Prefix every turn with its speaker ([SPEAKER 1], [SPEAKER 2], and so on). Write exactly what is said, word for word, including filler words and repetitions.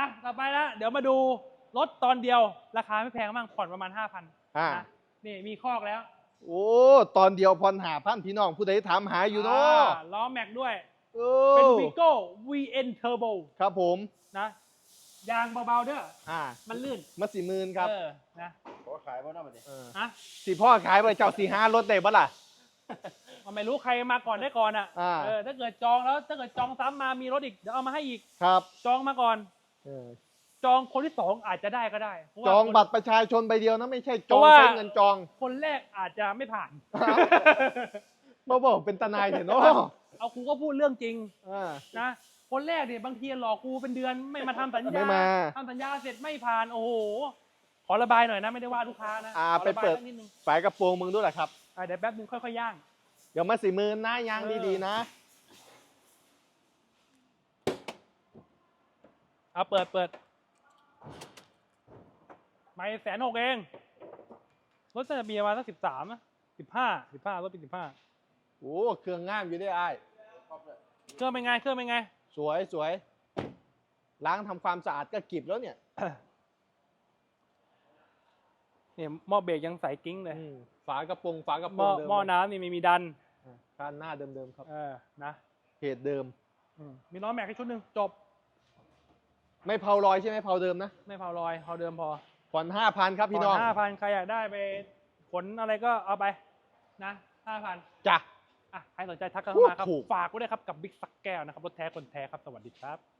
[SPEAKER 1] ต่อไปละเดี๋ยวมาดูรถตอนเดียวราคาไม่แพงมากผ่อนประมาณห้าพัน
[SPEAKER 2] อ่า
[SPEAKER 1] นะนี่มีคอกแล้ว
[SPEAKER 2] โอ้ตอนเดียวพรหาพันพี่น้องผู้ใดถามหาอยู่เนาะ
[SPEAKER 1] อ่าล้อแม็กด้วย
[SPEAKER 2] โอ้
[SPEAKER 1] เป็น Vigo วี เอ็น Turbo
[SPEAKER 2] ครับผม
[SPEAKER 1] นะยางเบาๆเด้อ
[SPEAKER 2] อ่า
[SPEAKER 1] มันลื่น
[SPEAKER 2] มาสี่หมื่นครับ
[SPEAKER 1] เออนะ
[SPEAKER 3] ขอขายบ้างนะบัดนี้
[SPEAKER 2] เออ
[SPEAKER 1] ฮะ
[SPEAKER 2] สี่พ่อขายไปเจ้าสี่ห้ารถได้ปะล่ะ
[SPEAKER 1] ไม่รู้ใครมาก่อนได้ก่อนอ่ะ
[SPEAKER 2] อ่า
[SPEAKER 1] เออถ้าเกิดจองแล้วถ้าเกิดจองซ้ำมามีรถอีกเดี๋ยวเอามาให้อีก
[SPEAKER 2] ครับ
[SPEAKER 1] จองมาก่อน
[SPEAKER 2] เออ
[SPEAKER 1] จองคนที่สองอาจจะได้ก็ได้เพราะว่า
[SPEAKER 2] จอง
[SPEAKER 1] คน
[SPEAKER 2] บัตรประชาชนใบเดียวนะไม่ใช่จ
[SPEAKER 1] เพ
[SPEAKER 2] อง
[SPEAKER 1] ราะว่า
[SPEAKER 2] ใช้เงินจอง
[SPEAKER 1] คนแรกอาจจะไม่ผ่าน
[SPEAKER 2] มาบอกเป็นตานายเถอะเนาะ
[SPEAKER 1] เอากูก็พูดเรื่องจริง
[SPEAKER 2] อ่า
[SPEAKER 1] นะคนแรกเนี่ยบางทีหลอกกูเป็นเดือนไม่มาทำสัญ
[SPEAKER 2] ไม่
[SPEAKER 1] ญา
[SPEAKER 2] มา
[SPEAKER 1] ทำสัญญาเสร็จไม่ผ่านโอ้โหขอระบายหน่อยนะไม่ได้ว่าลูกค้านะ
[SPEAKER 2] อ่า
[SPEAKER 1] ขอ
[SPEAKER 2] ไป
[SPEAKER 1] ระบาย
[SPEAKER 2] เปิด
[SPEAKER 1] สักนิดนึง
[SPEAKER 2] ฝายกระโปรงมึงด้วยแหละครับ
[SPEAKER 1] อ่ะเดี๋ยวแป๊บนึงค่อยๆย่าง
[SPEAKER 2] เดี๋ยวมาสี่หมื่นนะยาง
[SPEAKER 1] เออ
[SPEAKER 2] ดีๆนะ
[SPEAKER 1] เอาเปิดเปิดไม่แสนหกเองรถจะมีประมาณสักสิบสามสิบห้าสิบห้ารถเป็นสิบห้า
[SPEAKER 2] โอ้เครื่องงามอยู่ด้วยไอ้าย
[SPEAKER 1] เครื่องเป็นไงเครื่องเป็นไง
[SPEAKER 2] สวยสวยล้างทำความสะอาดก็กริบแล้วเนี่ย
[SPEAKER 1] เนี่ยหม้อเบรกยังใสกิ้งเลย
[SPEAKER 2] อืมฝากระโปรงฝากระ
[SPEAKER 1] ห
[SPEAKER 2] โปร
[SPEAKER 1] ม้อง
[SPEAKER 2] เดิม
[SPEAKER 1] หม้อน้ำนี่ไม่มีดัน
[SPEAKER 2] อ่าคันหน้าเดิมๆครับ
[SPEAKER 1] เออนะ
[SPEAKER 2] เพจเดิม
[SPEAKER 1] อืมมีล้อแม็กให้ชุดหนึ่งจบ
[SPEAKER 2] ไม่เผารอยใช่ไหมเผาเดิมนะ
[SPEAKER 1] ไม่เผารอยเอาเดิมพอ
[SPEAKER 2] ผ่อนห้าพันครับพี่น้อง
[SPEAKER 1] ห้าพันใครอยากได้ไปขนอะไรก็เอาไปนะห้าพัน
[SPEAKER 2] จ้ะ
[SPEAKER 1] อ่ะใครสนใจทักกันเข้ามาครับ
[SPEAKER 2] ถูก
[SPEAKER 1] ฝากไว้ด้วยครับกับบิ๊กสักแก้วนะครับรถแท้คนแท้ครับสวัสดีครับ